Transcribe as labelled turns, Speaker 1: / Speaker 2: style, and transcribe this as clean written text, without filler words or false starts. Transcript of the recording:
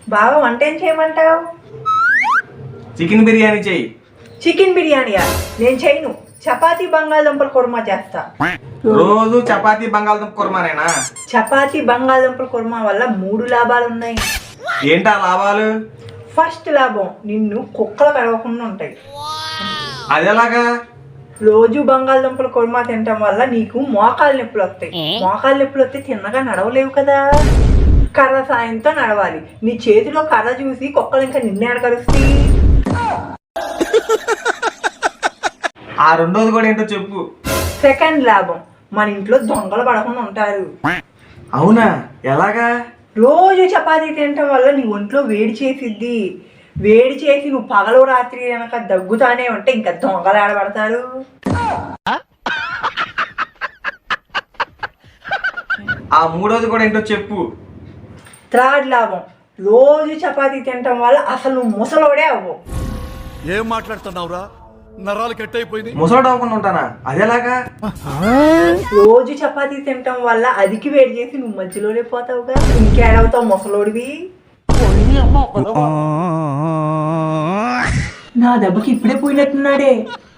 Speaker 1: బాగా వంట ఏం చేయమంటావు?
Speaker 2: చికెన్ బిర్యానీ చెయ్యి.
Speaker 1: చికెన్ బిర్యానీయా? నేను చేయను. చపాతీ బంగాళదుంపల కుర్మా చేస్తా.
Speaker 2: రోజు చపాతీ బంగాళదుంప కుర్మానేనా?
Speaker 1: చపాతీ బంగాళదుంపల కుర్మా వల్ల 3 లాభాలు ఉన్నాయి.
Speaker 2: ఏంటా లాభాలు?
Speaker 1: ఫస్ట్ లాభం, నిన్ను కుక్కలు కడవకుండా ఉంటాయి.
Speaker 2: అదెలాగా?
Speaker 1: రోజు బంగాళదుంపల కుర్మా తినటం వల్ల నీకు మోకాలు నొప్పులు వస్తాయి. మోకాలు నొప్పులు వస్తే తిన్నగా నడవలేవు కదా, కర్ర సాయంతో నడవాలి. నీ చేతిలో కర్ర చూసి కుక్కలు ఇంకా నిన్నే అడగలుస్తాయి.
Speaker 2: ఆ రెండోది కూడా ఏంటో చెప్పు.
Speaker 1: సెకండ్ లాభం, మన ఇంట్లో దొంగలు పడకుండా ఉంటారు.
Speaker 2: అవునా? ఎలాగా?
Speaker 1: రోజు చపాతీ తినటం వల్ల నీ ఒంట్లో వేడి చేసిద్ది. వేడి చేసి నువ్వు పగలు రాత్రి కనుక దగ్గుతానే ఉంటే ఇంకా దొంగలు ఆడబడతారు.
Speaker 2: ఆ మూడోది కూడా ఏంటో చెప్పు.
Speaker 1: థర్డ్ లాభం, రోజు చపాతీ తినటం వల్ల అసలు నువ్వు ముసలోడే అవ్వవు.
Speaker 3: ఏం మాట్లాడుతున్నావురా? నరాలు కట్ అయిపోయింది.
Speaker 2: ముసలోడు అవ్వకుండా ఉంటానా? అదెలాగా?
Speaker 1: రోజు చపాతీ తినటం వల్ల అదికి వేడి చేసి నువ్వు మధ్యలోనే పోతావుగా, ఇంకేడవుతావు ముసలోడివి. నా దెబ్బకి ఇప్పుడే పోయినట్టున్నాడే.